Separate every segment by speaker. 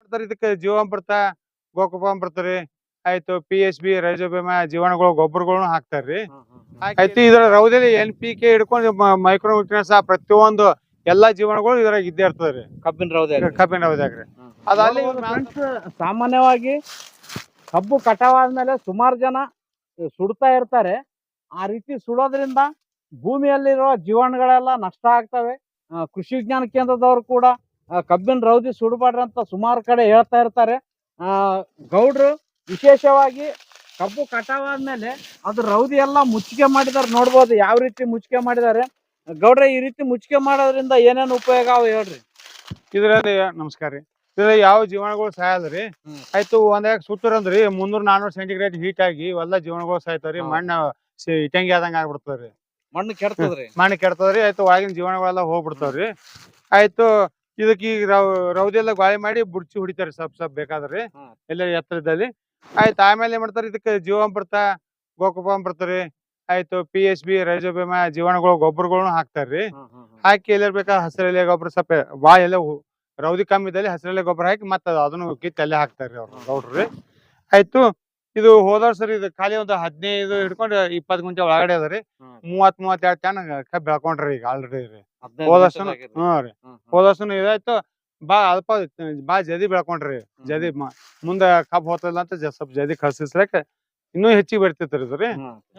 Speaker 1: ಇದಕ್ಕೆ ಜೀವಾಮೃತ ಗೋಕೃಪಾಮೃತ ರೀ ಆಯ್ತು PSB ರೈಜೋಬಿಯಮ ಜೀವಾಣುಗಳು ಗೊಬ್ಬರಗಳನ್ನು ಹಾಕ್ತಾರ್ರಿ ಆಯ್ತು ಇದ್ರ ರೌದಲ್ಲಿ NPK ಹಿಡ್ಕೊಂಡು ಮೈಕ್ರೋ ನ್ಯೂಟ್ರಿಯನ್ಸ್ ಪ್ರತಿಯೊಂದು ಎಲ್ಲಾ ಜೀವಾಣುಗಳು ಇದ್ರಾಗ ಇದ್ದೇ ಇರ್ತದ್ರಿ
Speaker 2: ಕಬ್ಬಿನ
Speaker 1: ರೌದ್ಯಾಗ್ರಿ ಅದಲ್ಲಿ
Speaker 2: ಸಾಮಾನ್ಯವಾಗಿ ಕಬ್ಬು ಕಟಾವಾದ್ಮೇಲೆ ಸುಮಾರು ಜನ ಸುಡ್ತಾ ಇರ್ತಾರೆ. ಆ ರೀತಿ ಸುಡೋದ್ರಿಂದ ಭೂಮಿಯಲ್ಲಿರುವ ಜೀವಾಣುಗಳೆಲ್ಲ ನಷ್ಟ ಆಗ್ತವೆ. ಕೃಷಿ ವಿಜ್ಞಾನ ಕೇಂದ್ರದವರು ಕೂಡ ಕಬ್ಬಿನ ರೌದಿ ಸುಡಬಾರ್ದು ಅಂತ ಸುಮಾರು ಕಡೆ ಹೇಳ್ತಾ ಇರ್ತಾರೆ. ಗೌಡ್ರು ವಿಶೇಷವಾಗಿ ಕಬ್ಬು ಕಟಾವಾದ್ಮೇಲೆ ಅದು ರೌದಿ ಎಲ್ಲ ಮುಚ್ಚಿಗೆ ಮಾಡಿದಾರೆ, ನೋಡ್ಬೋದು ಯಾವ ರೀತಿ ಮುಚ್ಚಿಗೆ ಮಾಡಿದ್ದಾರೆ. ಗೌಡ್ರೆ, ಈ ರೀತಿ ಮುಚ್ಚಿಗೆ ಮಾಡೋದ್ರಿಂದ ಏನೇನು ಉಪಯೋಗ ಅವ ಹೇಳ್ರಿ.
Speaker 1: ಇದ್ರಲ್ಲಿ ನಮಸ್ಕಾರ ರೀ. ಇದ್ರಲ್ಲಿ ಯಾವ ಜೀವಾಣುಗಳು ಸಾಯಲ್ರಿ. ಆಯ್ತು ಒಂದಾಗ ಸುಟ್ಟರಂದ್ರಿ 300-400 ಸೆಂಟಿಗ್ರೇಡ್ ಹೀಟ್ ಆಗಿ ಇವೆಲ್ಲ ಜೀವಾಣುಗಳು ಸಾಯ್ತಾವ್ರಿ. ಮಣ್ಣು ಇಟಂಗಿ ಆದಂಗ ಆಗ್ಬಿಡ್ತಾವ್ರಿ,
Speaker 2: ಮಣ್ಣು ಕೆಡ್ತದ್ರಿ.
Speaker 1: ಆಯ್ತು ಒಳಗಿನ ಜೀವಾಣುಗಳೆಲ್ಲ ಹೋಗ್ಬಿಡ್ತಾವ್ರಿ. ಆಯ್ತು ಇದಕ್ಕೆ ಈಗ ರೌದಿ ಎಲ್ಲ ಗಾಳಿ ಮಾಡಿ ಬುಡ್ಚಿ ಹೊಡಿತಾರೆ ಸ್ವಲ್ಪ ಬೇಕಾದ್ರಿ ಎಲ್ಲ ಎತ್ತರದಲ್ಲಿ. ಆಯ್ತು ಆಮೇಲೆ ಏನ್ ಮಾಡ್ತಾರೆ, ಇದಕ್ಕೆ ಜೀವಾಮೃತ ಗೋಕೃಪಾಮೃತ ರೀ ಆಯ್ತು PSB ರೈಜೋಬಿಯಮ ಜೀವಾಣುಗಳು ಗೊಬ್ಬರಗಳನ್ನು ಹಾಕ್ತಾರ್ರಿ. ಹಾಕಿ ಎಲ್ಲ ಬೇಕಾ ಹಸಿರೆಲೆ ಗೊಬ್ಬರ ಸ್ವಲ್ಪ ಬಾಳ ಎಲ್ಲ ರೌದಿ ಕಮ್ಮಿ ಇದ್ದಲ್ಲಿ ಹಸಿರೆಲೆ ಗೊಬ್ಬರ ಹಾಕಿ ಮತ್ತೆ ಅದನ್ನು ಕಿತ್ತು ಅಲ್ಲೇ ಹಾಕ್ತಾರ್ರಿ ಅವ್ರು ಗೌಡ್ರಿ. ಆಯ್ತು ಇದು ಹೋದ ವರ್ಷ ಇದು ಖಾಲಿ ಒಂದು 15 ಹಿಡ್ಕೊಂಡು 20 ಗುಂಟೆ ಒಳಗಡೆ ಅದರಿ. 30-32 ಟನ್ ಕಬ್ಬ್ ಬೆಳ್ಕೊಂಡ್ರಿ ಈಗ ಆಲ್ರೆಡಿ ರೀ. ಹೋದ ವರ್ಷ ರೀ ಹೋದ ವರ್ಷ ಇದಾಯ್ತು ಬಾ ಜದಿ ಬೆಳ್ಕೊಂಡ್ರಿ. ಜದಿ ಮುಂದ ಕಬ್ಬ್ ಹೋತಲ್ಲ ಅಂತ ಸ್ವಲ್ಪ ಜದಿ ಕಳ್ಸಿಸ್ರಕ ಇನ್ನೂ ಹೆಚ್ಚಿಗೆ ಬರ್ತಿತ್ರಿ ಇದ್ರಿ,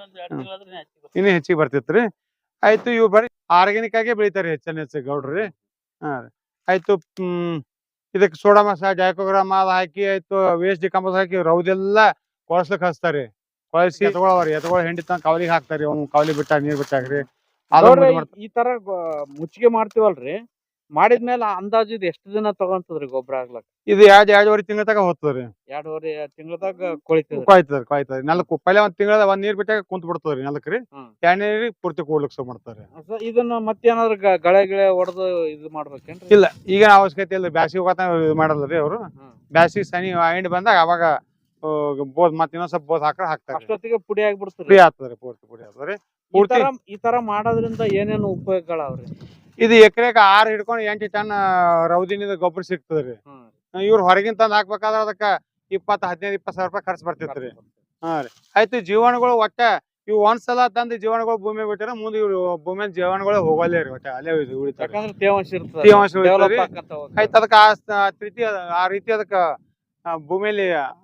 Speaker 1: ಇನ್ನೂ ಹೆಚ್ಚಿಗೆ ಬರ್ತಿತ್ರಿ. ಆಯ್ತು ಇವ್ ಬರೀ ಆರ್ಗ್ಯಾನಿಕ್ ಆಗೇ ಬೆಳಿತಾರಿ ಹೆಚ್ಚು ಗೌಡ್ರಿ. ಆಯ್ತು ಇದಕ್ಕೆ ಸೋಡಾಮಸ ಡೈಕೋಗ್ರಾಮ ಅದ್ ಹಾಕಿ ಆಯ್ತು ವೇಸ್ಟ್ ಡಿಕಂಪೋಸ್ ಹಾಕಿ ರೌದೆಲ್ಲ ಕೊಳಸ್ಲಿಕ್ ಹಚ್ತಾರಿ. ಕೊಳಸಿ ಎತ್ಗೊಳ ಹೆಂಡಿ ತನ ಕವಲಿಗೆ ಹಾಕ್ತಾರಿ. ಅವ್ನು ಕವಲಿ ಬಿಟ್ಟಾಗ ನೀರ್ ಬಿಟ್ಟಾಗ್ರಿ.
Speaker 2: ಈ ತರ ಮುಚ್ಚಿಗೆ ಮಾಡ್ತೀವಲ್ರಿ, ಮಾಡಿದ್ಮೇಲೆ ಅಂದಾಜು ಇದು ಎಷ್ಟು ದಿನ ತಗೊಂತದ್ರಿ ಗೊಬ್ಬರ ಆಗ್ಲಕ್?
Speaker 1: ಇದು 2-2.5 ತಿಂಗಳ ತಕ ಹೋಗ್ತದ್ರಿ.
Speaker 2: 2.5 ತಿಂಗಳದಾಗ ಕೊಳಿತದ್ರಿ.
Speaker 1: ಕೊಯ್ತದ್ರಿ. ನೆಲಕ್ ಪೈಲೆ ಒಂದ್ ತಿಂಗಳ ಒಂದ್ ನೀರ್ ಬಿಟ್ಟಾಗ ಕುಂತ್ ಬಿಡ್ತದ್ರಿ ನೆಲಕ್ರಿ. ಎಣ್ಣೆ ಪೂರ್ತಿ ಕೂಡ್ಲಿಕ್ ಶುರು ಮಾಡ್ತಾರಿ.
Speaker 2: ಇದನ್ನ ಮತ್ತೇನಾದ್ರು ಗಳೆ ಹೊಡೆದು ಇದು ಮಾಡ್ಬೇಕೇನ್ರಿ?
Speaker 1: ಇಲ್ಲ, ಈಗೇನ ಅವಶ್ಯಕತೆ ಇಲ್ಲ. ಬ್ಯಾಸಿಗೆ ಹೋಗತ್ತ ಇದು ಮಾಡಲ್ರಿ ಅವ್ರು. ಬ್ಯಾಸಿಗೆ ಸನಿ ಎಂಡ್ ಬಂದಾಗ ಅವಾಗ ಬೋದ್ ಮತ್ ಇನ್ನೊಂದ್ ಸ್ವಲ್ಪ ಬೋದ್ ಹಾಕ್ತಾರೆ.
Speaker 2: ಅಷ್ಟೊತ್ತಿಗೆ ಪುಡಿ ಆಗ್ಬಿಡ್ತದೆ.
Speaker 1: ಪುಡಿ ಆಗ್ತದ್ರಿ, ಪೂರ್ತಿ ಆಗ್ತದ್ರಿ.
Speaker 2: ಈ ತರ ಮಾಡೋದ್ರಿಂದ ಏನೇನು ಉಪಯೋಗಗಳವ್ರಿ?
Speaker 1: ಇದು ಎಕರೆಗೆ 6 ಹಿಡ್ಕೊಂಡು 8 ಟನ್ ರೌದಿನಿಂದ ಗೊಬ್ಬರ ಸಿಗ್ತದ್ರಿ. ಇವ್ರು ಹೊರಗಿನ ತಂದ್ ಹಾಕ್ಬೇಕಾದ್ರ ಅದಕ್ಕ 15-20 ಸಾವಿರ ರೂಪಾಯಿ ಖರ್ಚು ಬರ್ತಿತ್ರಿ. ರೀ ಆಯ್ತು ಜೀವಾಣುಗಳು ಒಟ್ಟ ಇವ್ ಒಂದ್ಸಲ ತಂದ್ ಜೀವಾಣುಗಳು ಭೂಮಿ ಬಿಟ್ಟಾರ ಮುಂದೆ ಇವ್ರು ಭೂಮಿ ಜೀವಾಣುಗಳು ಹೋಗಲ್ಲೇ ರೀ. ಒಟ್ಟ ಅಲ್ಲೇ ಉಳಿತಾರ,
Speaker 2: ತೇವಾಂಶ
Speaker 1: ಆಯ್ತು ಅದಕ್ಕ ಆ ರೀತಿ ಅದಕ್ಕ ಭೂಮಿಯಲ್ಲಿ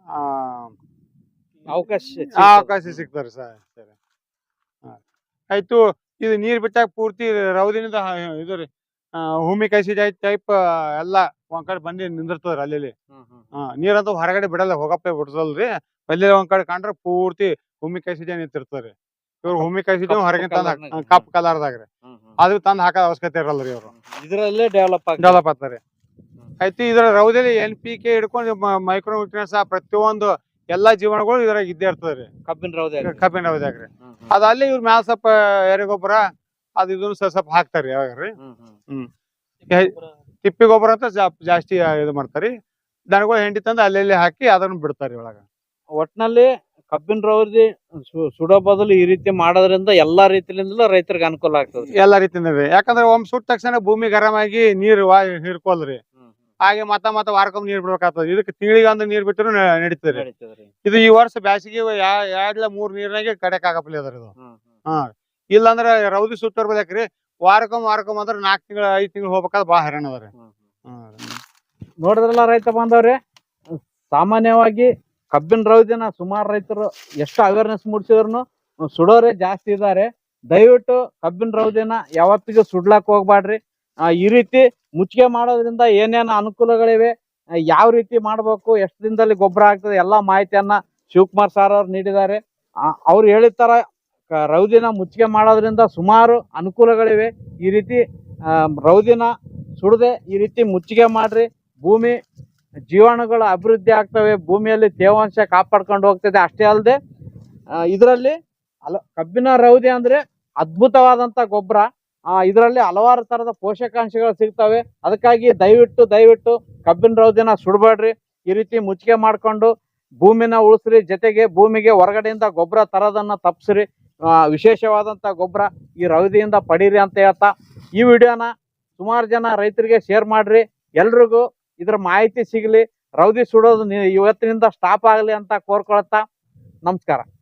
Speaker 1: ಅವಕಾಶ ಸಿಗ್ತಾರ ಸರ್. ಆಯ್ತು ಇದು ನೀರ್ ಬಿಟ್ಟಾಗ ಪೂರ್ತಿ ರೌದಿನಿಂದ ಇದು ರೀ ಹುಮಿಕೈಸಿಡ್ ಟೈಪ್ ಎಲ್ಲಾ ಒಂದ್ ಕಡೆ ಬಂದಿ ನಿಂದಿರ್ತದ್ರಿ. ಅಲ್ಲಿ ನೀರಂತೂ ಹೊರಗಡೆ ಬಿಡಲ್ಲ, ಹೋಗಪ್ಪ ಬಿಡ್ಸಲ್ರಿ. ಅಲ್ಲಿ ಒಂದ್ ಕಡೆ ಕಂಡ್ರೆ ಪೂರ್ತಿ ಹುಮಿಕೈಸಿಡ್ ನಿಂತಿರ್ತಾರಿ. ಇವ್ರು ಹುಮಿಕೈಸಿಡ್ ಹೊರಗಿನ ತಂದ್ ಕಪ್ ಕಲರ್ದಾಗ್ರಿ ಅದು ತಂದ್ ಹಾಕೋದ್ ಅವಶ್ಯಕತೆ ಇರಲ್ರಿ. ಅವ್ರು
Speaker 2: ಇದ್ರಲ್ಲೇ ಡೆವಲಪ್
Speaker 1: ಆಗ್ತಾರೆ. ಆಯ್ತು ಇದ್ರ ರೌದಲ್ಲಿ NPK ಹಿಡ್ಕೊಂಡು ಮೈಕ್ರೋ ನ್ಯೂಟ್ರಿಯನ್ಸ್ ಪ್ರತಿಯೊಂದು ಎಲ್ಲಾ ಜೀವಾಣುಗಳು ಇದ್ರಾಗ ಇದ್ದೇ ಇರ್ತದ್ರಿ ಕಬ್ಬಿನ ರೌದ್ಯಾಗ್ರಿ. ಅದ್ ಅಲ್ಲಿ ಇವ್ರ ಮ್ಯಾಲ ಸ್ವಲ್ಪ ಎರೆಗೊಬ್ಬರ ಅದ್ ಇದನ್ನು ಸ್ವಲ್ಪ ಹಾಕ್ತಾರಿ ಯಾವಾಗ್ರಿ. ತಿಪ್ಪಿ ಗೊಬ್ಬರ ಅಂತ ಜಾಸ್ತಿ ಇದು ಮಾಡ್ತಾರಿ. ದನಗಳು ಹೆಂಡಿ ತಂದು ಅಲ್ಲೆಲ್ಲಿ ಹಾಕಿ ಅದನ್ನ ಬಿಡ್ತಾರಿ ಒಳಗ.
Speaker 2: ಒಟ್ನಲ್ಲಿ ಕಬ್ಬಿನ ರೌದಿ ಸುಡೋ ಬದಲು ಈ ರೀತಿ ಮಾಡೋದ್ರಿಂದ ಎಲ್ಲಾ ರೀತಿಯಿಂದಲೂ ರೈತರಿಗೆ ಅನುಕೂಲ ಆಗ್ತದೆ.
Speaker 1: ಎಲ್ಲಾ ರೀತಿಯಿಂದ ಯಾಕಂದ್ರೆ ಒಮ್ಮೆ ಸುಟ್ಟ ತಕ್ಷಣ ಭೂಮಿ ಗರಂ ಆಗಿ ನೀರು ಹಿಡ್ಕೊಲ್ರಿ. ಹಾಗೆ ಮತ್ತ ವಾರಕ್ಕೊಮ್ಮೆ ನೀರ್ ಬಿಡ್ಬೇಕಾಗ್ತದೆ. ಇದಕ್ಕೆ ತಿಂಗಳಿಗೆ ಒಂದು ನೀರ್ ಬಿಟ್ಟರು ನಡೀತದ್ರಿ. ಇದು ಈ ವರ್ಷ ಬ್ಯಾಸಿಗೆ 2-3 ನೀರ್ನಾಗೆ ಕಡೆಕ್ ಆಗಪ್ಲಿ ಅದ್ರ ಇದು. ಇಲ್ಲಾಂದ್ರ ರೌದಿ ಸುಟ್ಟೋರ್ ಬದಾಕ್ರಿ ವಾರಕ್ಕೊಮ್ಮೆ ಅಂದ್ರೆ 4 ತಿಂಗಳು 5 ತಿಂಗಳು ಹೋಗ್ಬೇಕಾದ್ರೆ ಬಾಳ ಹೈರಾಣ ಅದ್ರಿ.
Speaker 2: ನೋಡಿದ್ರಲ್ಲ ರೈತ ಬಾಂಧವ್ರೆ, ಸಾಮಾನ್ಯವಾಗಿ ಕಬ್ಬಿನ ರೌದಿನ ಸುಮಾರು ರೈತರು ಎಷ್ಟು ಅವೇರ್ನೆಸ್ ಮೂಡಿಸಿದ್ರು ಸುಡೋರೆ ಜಾಸ್ತಿ ಇದ್ದಾರೆ. ದಯವಿಟ್ಟು ಕಬ್ಬಿನ ರೌದಿನ ಯಾವತ್ತಿಗೂ ಸುಡ್ಲಾಕ್ ಹೋಗ್ಬಾಡ್ರಿ. ಈ ರೀತಿ ಮುಚ್ಚಿಗೆ ಮಾಡೋದ್ರಿಂದ ಏನೇನು ಅನುಕೂಲಗಳಿವೆ, ಯಾವ ರೀತಿ ಮಾಡ್ಬೇಕು, ಎಷ್ಟು ದಿನದಲ್ಲಿ ಗೊಬ್ಬರ ಆಗ್ತದೆ, ಎಲ್ಲಾ ಮಾಹಿತಿಯನ್ನ ಶಿವಕುಮಾರ್ ಸರ್ ಅವ್ರು ನೀಡಿದ್ದಾರೆ. ಅವ್ರು ಹೇಳಿದ ತರ ರೌದಿನ ಮುಚ್ಚಿಗೆ ಮಾಡೋದ್ರಿಂದ ಸುಮಾರು ಅನುಕೂಲಗಳಿವೆ. ಈ ರೀತಿ ರೌದಿನ ಸುಡದೆ ಈ ರೀತಿ ಮುಚ್ಚಿಗೆ ಮಾಡ್ರಿ. ಭೂಮಿ ಜೀವಾಣುಗಳು ಅಭಿವೃದ್ಧಿ ಆಗ್ತವೆ, ಭೂಮಿಯಲ್ಲಿ ತೇವಾಂಶ ಕಾಪಾಡ್ಕೊಂಡು ಹೋಗ್ತದೆ. ಅಷ್ಟೇ ಅಲ್ಲದೆ ಇದರಲ್ಲಿ ಕಬ್ಬಿನ ರೌದಿ ಅಂದ್ರೆ ಅದ್ಭುತವಾದಂತ ಗೊಬ್ಬರ. ಇದರಲ್ಲಿ ಹಲವಾರು ತರದ ಪೋಷಕಾಂಶಗಳು ಸಿಗ್ತವೆ. ಅದಕ್ಕಾಗಿ ದಯವಿಟ್ಟು ಕಬ್ಬಿನ ರೌದಿನ ಸುಡಬೇಡ್ರಿ. ಈ ರೀತಿ ಮುಚ್ಚಿಗೆ ಮಾಡ್ಕೊಂಡು ಭೂಮಿನ ಉಳಿಸ್ರಿ. ಜೊತೆಗೆ ಭೂಮಿಗೆ ಹೊರಗಡೆಯಿಂದ ಗೊಬ್ಬರ ತರೋದನ್ನ ತಪ್ಪಿಸ್ರಿ. ವಿಶೇಷವಾದಂತ ಗೊಬ್ಬರ ಈ ರೌದಿಯಿಂದ ಪಡೀರಿ ಅಂತ ಹೇಳ್ತಾ ಈ ವಿಡಿಯೋನ ಸುಮಾರು ಜನ ರೈತರಿಗೆ ಶೇರ್ ಮಾಡ್ರಿ. ಎಲ್ರಿಗೂ ಇದ್ರ ಮಾಹಿತಿ ಸಿಗಲಿ. ರೌದಿ ಸುಡೋದು ಇವತ್ತಿನಿಂದ ಸ್ಟಾಪ್ ಆಗಲಿ ಅಂತ ಕೋರ್ಕೊಳತ್ತಾ ನಮಸ್ಕಾರ.